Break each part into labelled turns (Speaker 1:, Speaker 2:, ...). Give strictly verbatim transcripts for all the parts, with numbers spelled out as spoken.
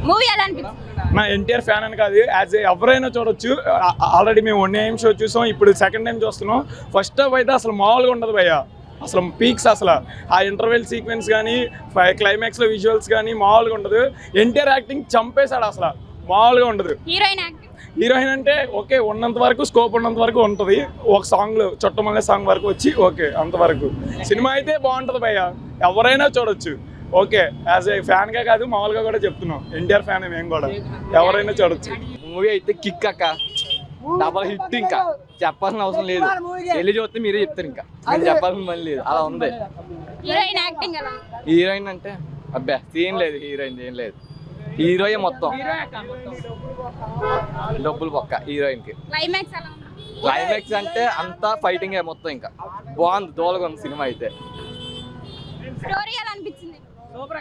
Speaker 1: Movie ఎలా అనిపించింది?
Speaker 2: నా ఎన్టీఆర్ ఫ్యాన్ అని కాదు, యాజ్ ఎవరైనా చూడొచ్చు. ఆల్రెడీ మేము వన్ టైం షో చూసాం, ఇప్పుడు సెకండ్ టైం చూస్తున్నాం. ఫస్ట్ హాఫ్ అయితే అసలు మామూలుగా ఉండదు భయ్య, అసలు పీక్స్. అసలు ఆ ఇంటర్వెల్ సీక్వెన్స్ కానీ క్లైమాక్స్లో విజువల్స్ కానీ మామూలుగా ఉండదు. ఎన్టీఆర్ యాక్టింగ్ చంపేశాడు, అసలు మామూలుగా ఉండదు.
Speaker 1: హీరోయిన్ యాక్టింగ్
Speaker 2: హీరోయిన్ అంటే ఓకే, ఉన్నంత వరకు స్కోప్ ఉన్నంత వరకు ఉంటుంది. ఒక సాంగ్లో చుట్టమల్లే సాంగ్ వరకు వచ్చి ఓకే, అంతవరకు. సినిమా అయితే బాగుంటుంది భయ్య, ఎవరైనా చూడొచ్చు. ఓకే, యాజ్ ఏ ఫ్యాన్గా కాదు మామూలుగా కూడా చెప్తున్నాం, ఎన్టీఆర్ ఫ్యాన్ మేము కూడా, ఎవరైనా చూడొచ్చు.
Speaker 3: మూవీ అయితే కిక్ అక్క, డబల్ హిట్. ఇంకా చెప్పాల్సిన అవసరం లేదు, వెళ్ళి చూస్తే మీరే చెప్తారు. ఇంకా నేను చెప్పాల్సిన పని లేదు, అలా ఉంది.
Speaker 1: హీరోయిన్ యాక్టింగ్ ఎలా?
Speaker 3: హీరోయిన్ అంటే అబ్బా సీన్ లేదు, హీరోయిన్ ఏం లేదు. హీరోయే మొత్తం డబ్బులు పక్క హీరోయిన్ కి.
Speaker 1: క్లైమాక్స్ ఎలా ఉంది?
Speaker 3: క్లైమాక్స్ అంటే అంతా ఫైటింగ్ మొత్తం. ఇంకా బాగుంది, దోలగా ఉంది సినిమా అయితే.
Speaker 1: స్టోరీ ఎలా అనిపించింది?
Speaker 3: సూపర్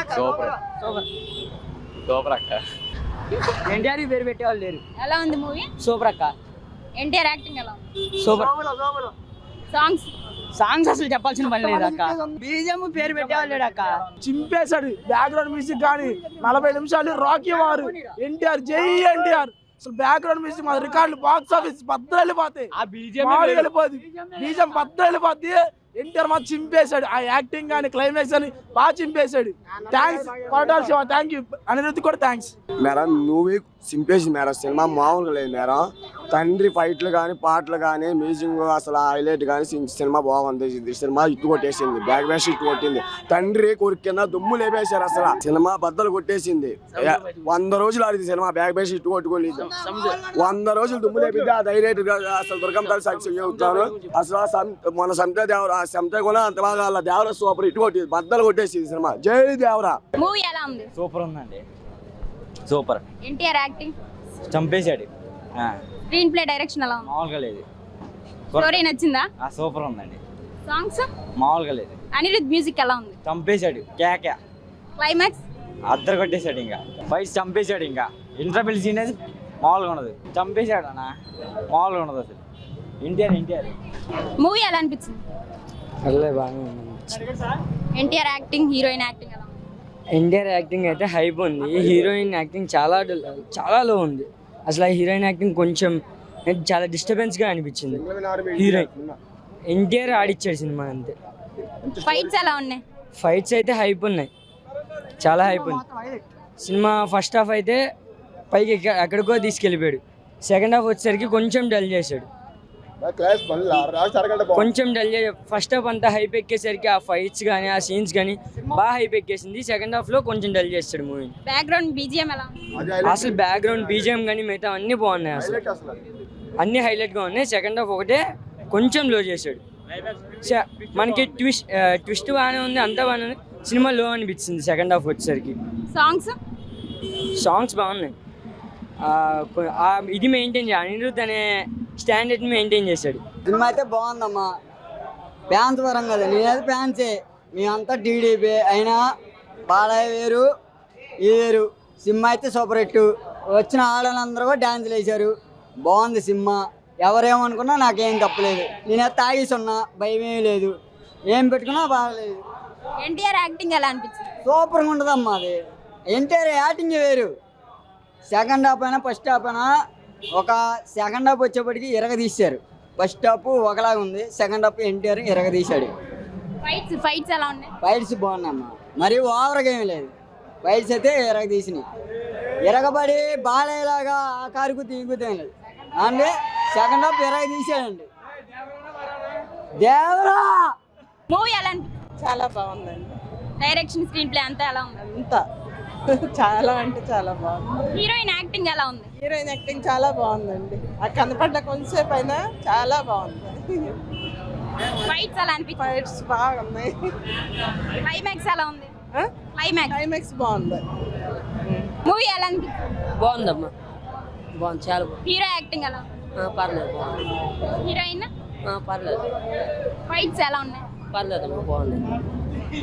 Speaker 3: సూపర్ అక్క.
Speaker 4: ఎన్టీఆర్ పేరు పెట్టేవాళ్ళు లేరు.
Speaker 1: ఎలా ఉంది మూవీ?
Speaker 4: సూపర్ అక్క.
Speaker 1: ఎన్టీఆర్ యాక్టింగ్ ఎలా ఉంది?
Speaker 4: సూపర్.
Speaker 1: సాంగ్స్
Speaker 4: సాంగ్స్ అసలు చెప్పాల్సిన పని లేదు అక్క. బీజం పేరు పెట్టేవాళ్ళు లేడు అక్క.
Speaker 5: చింపేశాడు బ్యాక్గ్రౌండ్ మ్యూజిక్ కానీ. నలభై నిమిషాలు రాకీ వారు ఎన్టీఆర్, జై ఎన్టీఆర్. అసలు బ్యాక్గ్రౌండ్ మ్యూజిక్ మా రికార్డులు బాక్స్ ఆఫీస్ బద్దలు వెళ్ళిపోతాయి, వెళ్ళిపోద్ది. బీజం బద్దలు వెళ్ళిపోద్ది. ఎన్టీఆర్ మాత్రం చింపేశాడు. ఆ యాక్టింగ్ కానీ క్లైమాక్స్ అని బాగా చింపేశాడు. Thanks Koratala Siva, thank you. Anirudh కూడా థ్యాంక్స్.
Speaker 6: మేడం మూవీ చింపేసి మేడం, సినిమా మామూలుగా లేదు మేడం. తండ్రి ఫైట్లు కానీ పాటలు కానీ మ్యూజిక్ అసలు హైలైట్ కానీ సినిమా బాగుంది. సినిమా ఇట్టు కొట్టేసింది, బ్యాక్ బ్యాష్ ఇట్టు కొట్టింది. తండ్రి కొడుకు కింద దుమ్ము లేపేశారు. అసలు సినిమా బద్దలు కొట్టేసింది. వంద రోజులు ఆడింది సినిమా, బ్యాక్ బ్యాష్ ఇట్టు కొట్టుకోలేదు. వంద రోజులు దుమ్ము లేపింది. అది హైలైట్ అసలు దుర్గం గారు సాక్షి చెబుతాను. అసలు మన సంత దేవరా సంత కూడా అంత బాగా దేవరా సూపర్ ఇటు కొట్టి బద్దలు కొట్టేసింది సినిమా. జై దేవరా.
Speaker 1: మూవీ ఎలా ఉంది?
Speaker 4: సూపర్ ఉందండి, సూపర్.
Speaker 1: ఎన్టీఆర్ యాక్టింగ్
Speaker 4: చంపేశాడు.
Speaker 1: స్క్రీన్ ప్లే డైరెక్షన్ ఎలా ఉంది?
Speaker 4: మామూలుగా లేదు.
Speaker 1: స్టోరీ నచ్చిందా?
Speaker 4: సూపర్ ఉందండి.
Speaker 1: సాంగ్స్
Speaker 4: మామూలుగా లేదు.
Speaker 1: అనిరుద్ధ్ మ్యూజిక్ ఎలా ఉంది?
Speaker 4: చంపేశాడు. క్యాక్
Speaker 1: క్లైమాక్స్
Speaker 4: అద్దరు కొట్టేశాడు. ఇంకా ఫైట్ చంపేశాడు. ఇంకా ఇంటర్వెల్ సీన్ అనేది మామూలుగా ఉండదు. చంపేశాడు అన్న, మామూలుగా ఉండదు అసలు. ఎన్టీఆర్ ఎన్టీఆర్
Speaker 1: మూవీ ఎలా అనిపించింది? ఎన్టీఆర్ యాక్టింగ్, హీరోయిన్ యాక్టింగ్ ఎలా ఉంది?
Speaker 7: ఎన్టీఆర్ యాక్టింగ్ అయితే హైప్ ఉంది. హీరోయిన్ యాక్టింగ్ చాలా చాలా లో ఉంది. అసలు ఆ హీరోయిన్ యాక్టింగ్ కొంచెం చాలా డిస్టర్బెన్స్గా అనిపించింది. హీరోయిన్ ఎన్టీఆర్ ఆడిచ్చాడు సినిమా అంతే.
Speaker 1: ఫైట్స్ ఎలా ఉన్నాయి?
Speaker 7: ఫైట్స్ అయితే హైప్ ఉన్నాయి, చాలా హైప్ ఉంది. సినిమా ఫస్ట్ హాఫ్ అయితే పైకి ఎక్కడికో తీసుకెళ్ళిపోయాడు. సెకండ్ హాఫ్ వచ్చేసరికి కొంచెం డల్ చేశాడు, కొంచెం డల్ చే ఫస్ట్ హాఫ్ అంతా హైప్ ఎక్కేసరికి ఆ ఫైట్స్ కానీ ఆ సీన్స్ కానీ బాగా హైప్ ఎక్కేసింది. సెకండ్ హాఫ్లో కొంచెం డల్ చేస్తాడు మూవీ.
Speaker 1: బ్యాక్గ్రౌండ్ బీజిఎం ఎలా ఉంది?
Speaker 7: అసలు బ్యాక్గ్రౌండ్ బీజిఎం కానీ మిగతా అన్నీ బాగున్నాయి, అసలు అన్నీ హైలైట్గా ఉన్నాయి. సెకండ్ హాఫ్ ఒకటే కొంచెం లో చేశాడు. మనకి ట్విస్ట్ ట్విస్ట్ బాగానే ఉంది, అంతా బాగానే ఉంది. సినిమా లో అనిపించింది సెకండ్ హాఫ్ వచ్చేసరికి.
Speaker 1: సాంగ్స్
Speaker 7: సాంగ్స్ బాగున్నాయి. ఇది మెయింటైన్ చేయాలి, అనిరుద్ధ్ అనే స్టాండర్డ్ని మెయింటైన్ చేశాడు.
Speaker 8: సినిమా అయితే బాగుందమ్మా. ఫ్యాన్స్ వరం కదా, నేనైతే ఫ్యాన్సే. మేమంతా టీడీపీ అయినా బాలయ్య వేరు ఇది వేరు. సినిమా అయితే సూపర్ హిట్. వచ్చిన ఆడవాళ్ళందరూ కూడా డ్యాన్సులు వేశారు. బాగుంది సినిమా. ఎవరేమనుకున్నా నాకేం తప్పలేదు. నేనైతే తాగేసి ఉన్నా, భయం ఏమీ లేదు. ఏం పెట్టుకున్నా బాగలేదు.
Speaker 1: ఎన్టీఆర్ యాక్టింగ్ ఎలా అనిపించింది?
Speaker 8: సూపర్గా ఉంటుందమ్మా. అది ఎన్టీఆర్ యాక్టింగ్ వేరు. సెకండ్ హాఫ్ అయినా ఫస్ట్ హాఫ్ అయినా ఒక సెకండ్ హాఫ్ వచ్చేప్పటికి ఇరగదీశారు. ఫస్ట్ హాఫ్ ఒకలాగా ఉంది, సెకండ్ హాఫ్ ఎన్టీఆర్ ఇరగదీశాడు.
Speaker 1: ఫైట్స్ ఫైట్స్ ఎలా ఉన్నాయి?
Speaker 8: ఫైట్స్ బాగున్నాయమ్మా, మరి ఓవర్గా ఏమీ లేదు. ఫైట్స్ అయితే ఇరగదీసినాయి. ఇరగబడి బాలేలాగా ఆ కారుకు తీగుతాం లేదు అంటే సెకండ్ హాఫ్ ఇరగదీశాడండి. దేవరా
Speaker 1: మూవీ ఎలా అనిపించింది?
Speaker 9: చాలా బాగుందండి.
Speaker 1: డైరెక్షన్, స్క్రీన్ ప్లే అంతా ఎలా ఉంది?
Speaker 9: అంతా చాలా అంటే చాలా బాగుంది.
Speaker 1: హీరోయిన్ యాక్టింగ్ ఎలా ఉంది?
Speaker 9: హీరోయిన్ యాక్టింగ్ చాలా బాగుందండి. ఆ కనపడ్డ కొంచెంసేపు అయినా చాలా బాగుంది.
Speaker 1: ఫైట్స్ ఎలా అనిపించింది?
Speaker 9: ఫైట్స్ బాగున్నాయి.
Speaker 1: క్లైమాక్స్ ఎలా ఉంది? క్లైమాక్స్
Speaker 9: క్లైమాక్స్ బాగుంది.
Speaker 1: మూవీ ఎలా అనిపించింది?
Speaker 7: బాగుందమ్మా, బాగుంది, చాలా బాగుంది.
Speaker 1: హీరో యాక్టింగ్ ఎలా ఉంది?
Speaker 7: పర్లేదు, బాగుంది.
Speaker 1: హీరోయిన్
Speaker 7: పర్లేదు.
Speaker 1: ఫైట్స్ ఎలా ఉన్నాయి?
Speaker 7: పర్లేదమ్మా, బాగుంది.